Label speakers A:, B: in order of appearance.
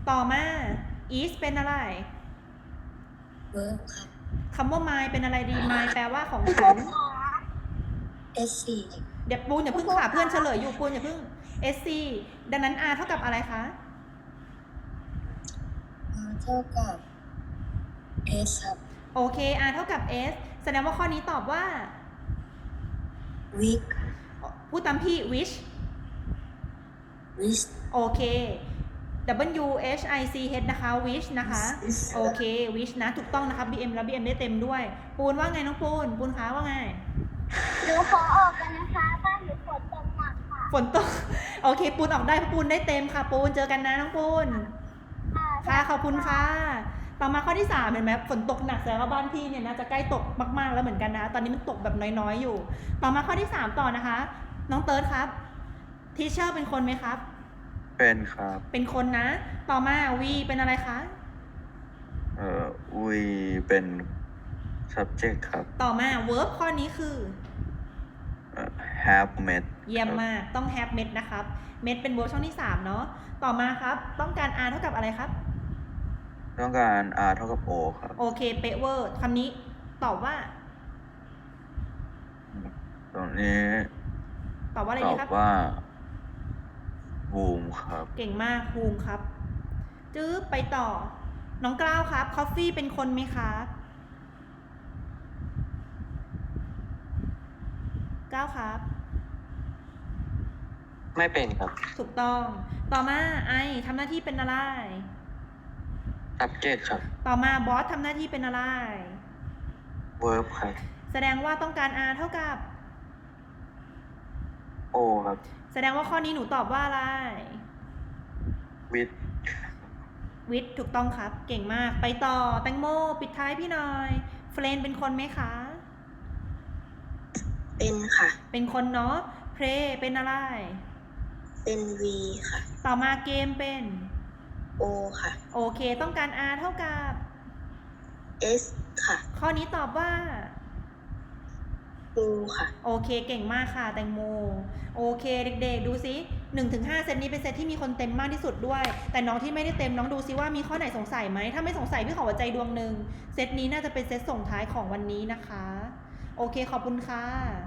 A: ต่อมา is เป็นอะไร
B: verb ครับ
A: คำว่า my เป็นอะไรดี my แปลว่าของฉัน
B: sc
A: เดี๋ยวปูนอย่าเพิ่งค่ะเพื่อนเฉลยอยู่ปูนอย่าเพิ่ง sc ดังนั้น r เท่ากับอะไรคะ
B: เท่ากับ s ครับ
A: โอเค r เท่ากับ s แสดงว่าข้อนี้ตอบว่า
B: week
A: พูดตามพี่ which
B: wish
A: โอเค w h i c h นะคะ which นะคะโอเค which นะถูกต้องนะคะ bm แล้ว bm ได้เต็มด้วยปูนว่าไงน้องปูนคะว่าไง
C: หนูขอออกกันนะคะบ้านหนูฝนตกหนักค่ะ
A: ฝนตก โอเคปูนออกได้เพราะปูนได้เต็มค่ะปูนเจอกันนะน้องปูนค่ะขอบคุณค่ะต่อมาข้อที่3เห็นไหมฝนตกหนักแสดงว่าบ้านพี่เนี่ยนะจะใกล้ตกมากๆแล้วเหมือนกันนะตอนนี้มันตกแบบน้อยๆอยู่ต่อมาข้อที่3ต่อนะคะน้องเติร์ดครับทีเชอร์เป็นคนไหมครับ
D: เป็นครับ
A: เป็นคนนะต่อมาวีเป็นอะไรคะ
D: we เป็น subject ครับ
A: ต่อมา verb ข้อนี้คือ
D: have met
A: เยี่ยมมากต้อง have met นะครับ met เป็น verb ช่องที่3เนาะต่อมาครับต้องการ r เท่ากับอะไรครับ
D: ต้องการ r เท่ากับ o ครับ
A: โอเคเป๊ะเวอร์คำนี้ตอบว่า
D: ตรงนี้
A: ตอบว่าอะไร
D: ต
A: ดี
D: อบ
A: ครับ
D: ว่า boom ครับ
A: เก่งมากภูมิครับจื๊บไปต่อน้องกล้าวครับคอฟฟี่เป็นคนไหมครับกล้าวครับ
D: ไม่เป็นครับ
A: ถูกต้องต่อมาไอทำหน้าที่เป็นอะไร
D: subject ครับ
A: ต่อมาบอสทำหน้าที่เป็นอะไร
D: verb ครับ
A: แสดงว่าต้องการ r เท่ากับ
D: o ครับ
A: แสดงว่าข้อนี้หนูตอบว่าอะไร
D: with
A: วิทย์ถูกต้องครับเก่งมากไปต่อแตงโมปิดท้ายพี่หน่อยเฟรนเป็นคนไหมคะ
B: เป็นค่ะ
A: เป็นคนเนาะเพลเป็นอะไร
B: เป็น v ค่ะ
A: ต่อมาเกมเป็น
B: o ค่ะ
A: โอเคต้องการ r เท่ากับ
B: s ค่ะ
A: ข้อนี้ตอบว่า
B: u ค่ะ
A: โอเคเก่งมากค่ะแตงโมโอเคเด็กๆดูซิ 1-5 เซตนี้เป็นเซตที่มีคนเต็มมากที่สุดด้วยแต่น้องที่ไม่ได้เต็มน้องดูซิว่ามีข้อไหนสงสัยไหมถ้าไม่สงสัยพี่ขอหัวใจดวงหนึ่งเซตนี้น่าจะเป็นเซตส่งท้ายของวันนี้นะคะโอเคขอบคุณค่ะ